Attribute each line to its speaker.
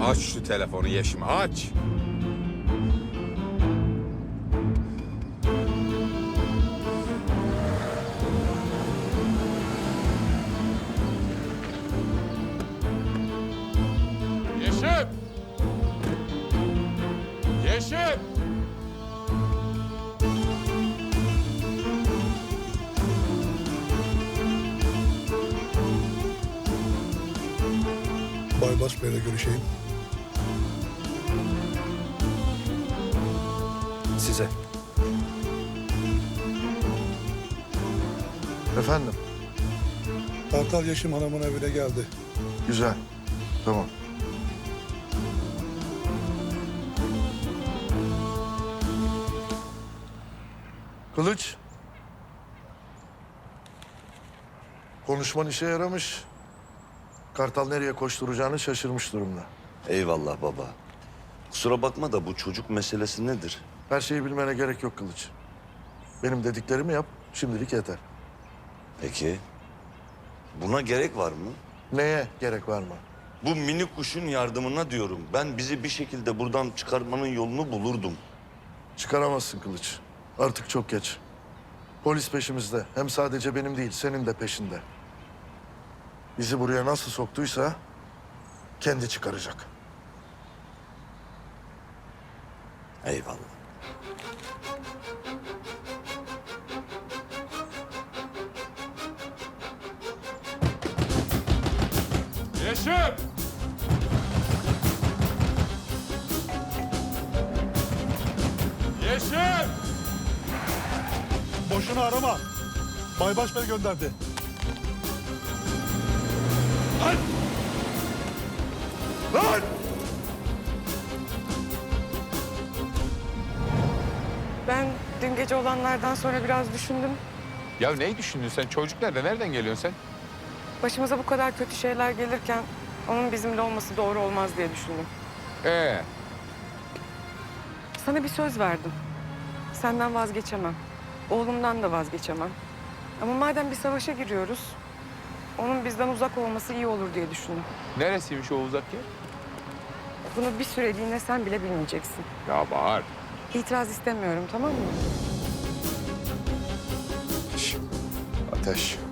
Speaker 1: Aç şu telefonu Yeşim, aç. Yeşim! Yeşim!
Speaker 2: Baybars Bey'le görüşeyim.
Speaker 3: Size. Efendim?
Speaker 2: Kartal Yeşim Hanım'ın evine geldi.
Speaker 3: Güzel. Tamam. Kılıç. Konuşman işe yaramış. Kartal nereye koşturacağını şaşırmış durumda.
Speaker 4: Eyvallah baba. Kusura bakma da bu çocuk meselesi nedir?
Speaker 3: Her şeyi bilmene gerek yok Kılıç. Benim dediklerimi yap, şimdilik yeter.
Speaker 4: Peki. Buna gerek var mı?
Speaker 3: Neye gerek var mı?
Speaker 4: Bu mini kuşun yardımına diyorum. Ben bizi bir şekilde buradan çıkarmanın yolunu bulurdum.
Speaker 3: Çıkaramazsın Kılıç. Artık çok geç. Polis peşimizde. Hem sadece benim değil, senin de peşinde. Bizi buraya nasıl soktuysa kendi çıkaracak.
Speaker 4: Eyvallah.
Speaker 1: Yeşim! Yeşim!
Speaker 2: Boşuna arama. Baybars Bey gönderdi.
Speaker 1: Lan! Lan!
Speaker 5: Ben dün gece olanlardan sonra biraz düşündüm.
Speaker 1: Ya neyi düşündün sen? Çocuk nerede? Nereden geliyorsun sen?
Speaker 5: Başımıza bu kadar kötü şeyler gelirken onun bizimle olması doğru olmaz diye düşündüm. Sana bir söz verdim. Senden vazgeçemem. Oğlumdan da vazgeçemem. Ama madem bir savaşa giriyoruz, onun bizden uzak olması iyi olur diye düşündüm.
Speaker 1: Neresiymiş o uzak yer?
Speaker 5: Bunu bir süreliğine sen bile bilmeyeceksin.
Speaker 1: Ya Bahar.
Speaker 5: İtiraz istemiyorum, tamam mı?
Speaker 1: Ateş.